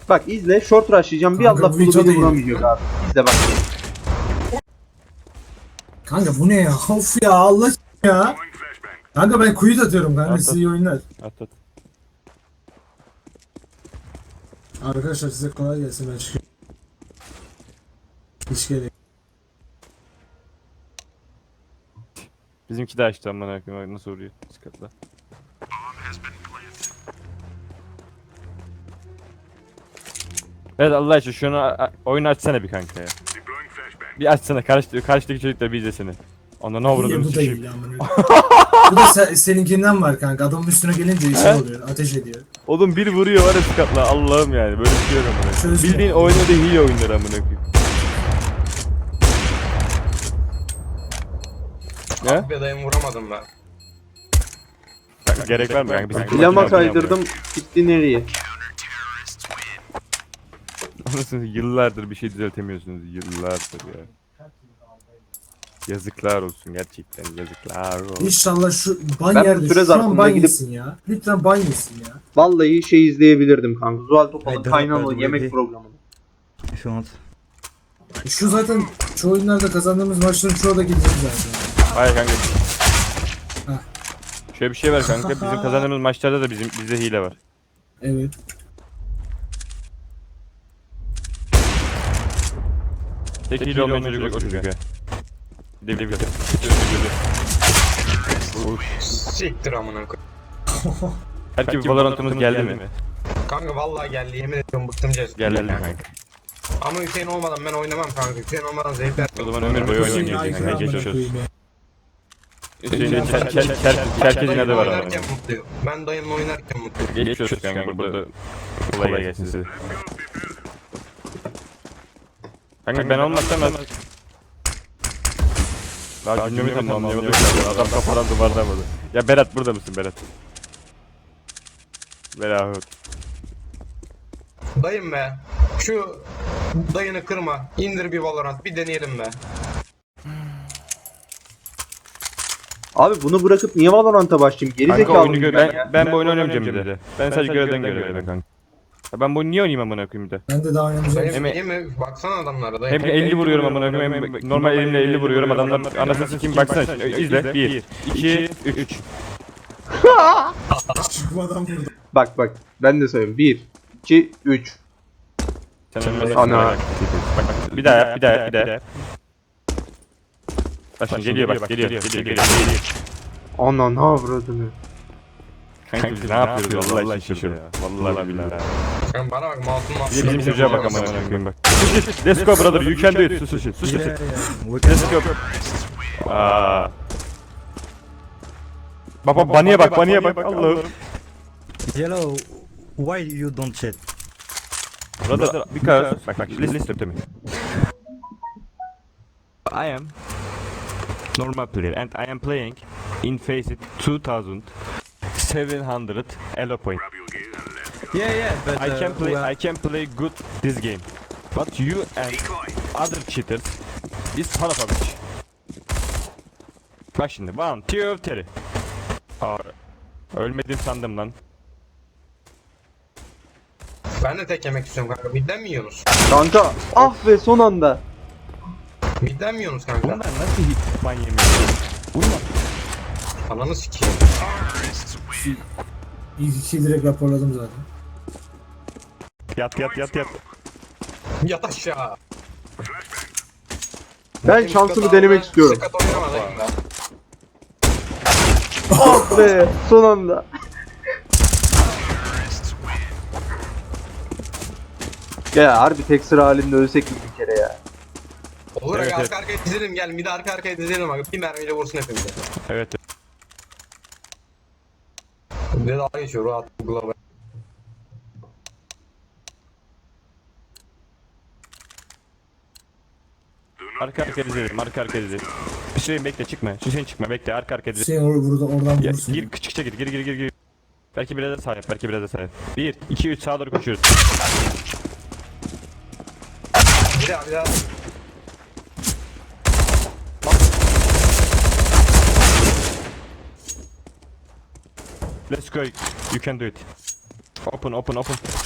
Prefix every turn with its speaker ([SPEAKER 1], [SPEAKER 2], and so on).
[SPEAKER 1] Bak izle, short rushlayacağım. Bir
[SPEAKER 2] Kanka,
[SPEAKER 1] Allah
[SPEAKER 2] bu
[SPEAKER 1] kulu
[SPEAKER 2] video
[SPEAKER 1] beni
[SPEAKER 2] değil.
[SPEAKER 1] vuramayacak abi. İzle bak.
[SPEAKER 2] Kanka bu ne ya? Of ya Allah ya. Kanka ben kuyut atıyorum kanka,
[SPEAKER 3] At,
[SPEAKER 2] size
[SPEAKER 3] at.
[SPEAKER 2] iyi oyunlar.
[SPEAKER 3] At at.
[SPEAKER 2] Arkadaşlar size kolay gelsin, ben çıkıyorum. Hiç gerek.
[SPEAKER 3] Bizimki de açtı amına koyayım. Nasıl vuruyor? Sıkatla. Evet Allah için şunu oyunu açsana bir kanka ya. Bir açsana karşıdaki çocuklar bir izlesene. Ondan ne
[SPEAKER 2] İyi,
[SPEAKER 3] vurdum
[SPEAKER 2] bu da iyi amına. Bu da seninkinden var kanka. Adamın üstüne gelince şey oluyor. Ateş ediyor.
[SPEAKER 3] Oğlum bir vuruyor var ya sıkatla Allah'ım yani böyle bir şey yok amına.
[SPEAKER 2] Çözme.
[SPEAKER 3] Bildiğin oynadığı hile oyunları amına koyayım. Ne?
[SPEAKER 4] Abi dayım vuramadım ben.
[SPEAKER 3] Kanka, gerek var mı kanka? Bizim
[SPEAKER 1] Plama kaydırdım. Gitti nereye?
[SPEAKER 3] Anasını yıllardır bir şey düzeltemiyorsunuz. Yıllardır ya. Yazıklar olsun gerçekten yazıklar olsun.
[SPEAKER 2] İnşallah şu ban
[SPEAKER 1] Ben bu
[SPEAKER 2] yerde
[SPEAKER 1] süre
[SPEAKER 2] şu
[SPEAKER 1] zarfında
[SPEAKER 2] an ban
[SPEAKER 1] gidip-
[SPEAKER 2] yesin ya. Lütfen ban yesin ya.
[SPEAKER 1] Vallahi şey izleyebilirdim kanka. Zuhal Topal'ın
[SPEAKER 5] Haydi,
[SPEAKER 1] Kaynalı
[SPEAKER 5] hadi,
[SPEAKER 1] yemek
[SPEAKER 5] hadi.
[SPEAKER 1] programını.
[SPEAKER 5] If you want.
[SPEAKER 2] Şu zaten çoğu oyunlarda kazandığımız maçların çoğu da gidecek zaten.
[SPEAKER 3] Hayır kanka.
[SPEAKER 2] Heh.
[SPEAKER 3] Şöyle bir şey var kanka. Bizim kazandığımız maçlarda da bizde hile var.
[SPEAKER 2] Evet.
[SPEAKER 3] Tek hile olmayan çocuk o çocuk ya. Bir de bir de.
[SPEAKER 4] Siktir amına koyayım.
[SPEAKER 3] Belki Valorant'ımız geldi mi?
[SPEAKER 4] Kanka vallahi geldi, yemin ediyorum bıktım Cez.
[SPEAKER 3] Geldi kanka.
[SPEAKER 4] Ama Hüseyin olmadan ben oynamam kanka. Hüseyin olmadan zevk ver.
[SPEAKER 3] O zaman ömür boyu
[SPEAKER 2] Hüseyin
[SPEAKER 3] oynayamayacak
[SPEAKER 2] aykırı
[SPEAKER 3] kanka.
[SPEAKER 2] amına
[SPEAKER 3] Geçmiş olsun.
[SPEAKER 2] koyayım ya.
[SPEAKER 3] Hüseyin'in Çerkez'in adı var ama.
[SPEAKER 4] Oynarken mutluyum. Ben dayımla oynarken mutluyum.
[SPEAKER 3] Geçmiş olsun kanka burada. Kolay gelsin size. Kanka ben olmazsam ben... Daha cümlemi tam anlayamadım. Adam kafadan duvardan vurdu. Ya Berat burada mısın Berat? Berat.
[SPEAKER 4] Dayım be. Şu dayını kırma. İndir bir Valorant. Bir deneyelim be.
[SPEAKER 1] Abi bunu bırakıp niye Valorant'a başlayayım? Geri
[SPEAKER 3] Kanka
[SPEAKER 1] zekalı
[SPEAKER 3] oyunu
[SPEAKER 1] mıyım
[SPEAKER 3] gör...
[SPEAKER 1] ben ya?
[SPEAKER 3] Ben bu oyunu oynamayacağım bir de. Ben sadece görevden görevden kanka. Ya ben bu oyunu niye oynayayım amına koyayım bir de?
[SPEAKER 2] Ben de daha oynamayacağım.
[SPEAKER 4] Dayım
[SPEAKER 3] Hem-
[SPEAKER 4] iyi mi? Baksana adamlara dayım.
[SPEAKER 3] Hem 50 vuruyorum amına koyayım hem normal elimle 50 vuruyorum adamlar anasını sikeyim baksana izle 1 2 3
[SPEAKER 2] Çıkmadan vurdu.
[SPEAKER 1] Bak bak ben de söyleyeyim. 1, 2, 3. Ana.
[SPEAKER 3] Bak bir daha yap bir daha yap bir daha yap. Bak şimdi geliyor bak geliyor.
[SPEAKER 1] Ana ne avradını.
[SPEAKER 3] Kanka biz ne yapıyoruz vallahi şaşırdım ya. Vallahi billahi.
[SPEAKER 4] Sen bana bak mouse'un
[SPEAKER 3] Bir de bizim çocuğa bak amına koyayım bak. Let's go brother you can do it. Sus.
[SPEAKER 5] Yeah, yeah.
[SPEAKER 3] Let's go. Aa. Baba baniye bak Allah'ım.
[SPEAKER 5] Yellow, why you don't chat?
[SPEAKER 3] Brother because bak listen to me. I am normal player and I am playing in Faceit 2700 elo point.
[SPEAKER 5] Yeah, but
[SPEAKER 3] I can play good this game. But you and other cheaters is son of a bitch. Bak şimdi 1 2 3. Ölmedim sandım lan.
[SPEAKER 4] Ben de tek yemek istiyorum kanka. Midden mi yiyorsunuz?
[SPEAKER 1] Kanka ah be son anda.
[SPEAKER 4] Midden mi yiyorsunuz kanka?
[SPEAKER 3] Bunlar nasıl hit ban yemiyor? Vurma.
[SPEAKER 4] Ananı sikeyim.
[SPEAKER 2] İlk iki direkt raporladım zaten.
[SPEAKER 3] Yat.
[SPEAKER 4] Yat aşağı.
[SPEAKER 1] Ben şansımı denemek istiyorum.
[SPEAKER 4] Sıkat oynama dayım be.
[SPEAKER 1] Ah be son anda. Ya harbi tek sıra halinde ölsek mi bir kere ya?
[SPEAKER 4] Olur
[SPEAKER 3] Evet,
[SPEAKER 4] ya
[SPEAKER 3] evet.
[SPEAKER 4] arka arkaya dizelim gel. Midi arka arkaya dizelim abi. Bir mermiyle vursun hepimize.
[SPEAKER 3] Evet.
[SPEAKER 4] Bir de daha geçiyor rahat global.
[SPEAKER 3] Arka dizelim. Hüseyin bekle çıkma. Hüseyin çıkma bekle arka dizelim.
[SPEAKER 2] Hüseyin oradan
[SPEAKER 3] Ya,
[SPEAKER 2] vursun.
[SPEAKER 3] gir küçükçe gir. Belki biraz da sağ yap. 1 2 3 sağa doğru koşuyoruz.
[SPEAKER 4] Bir daha.
[SPEAKER 3] Let's go. You can do it. Open.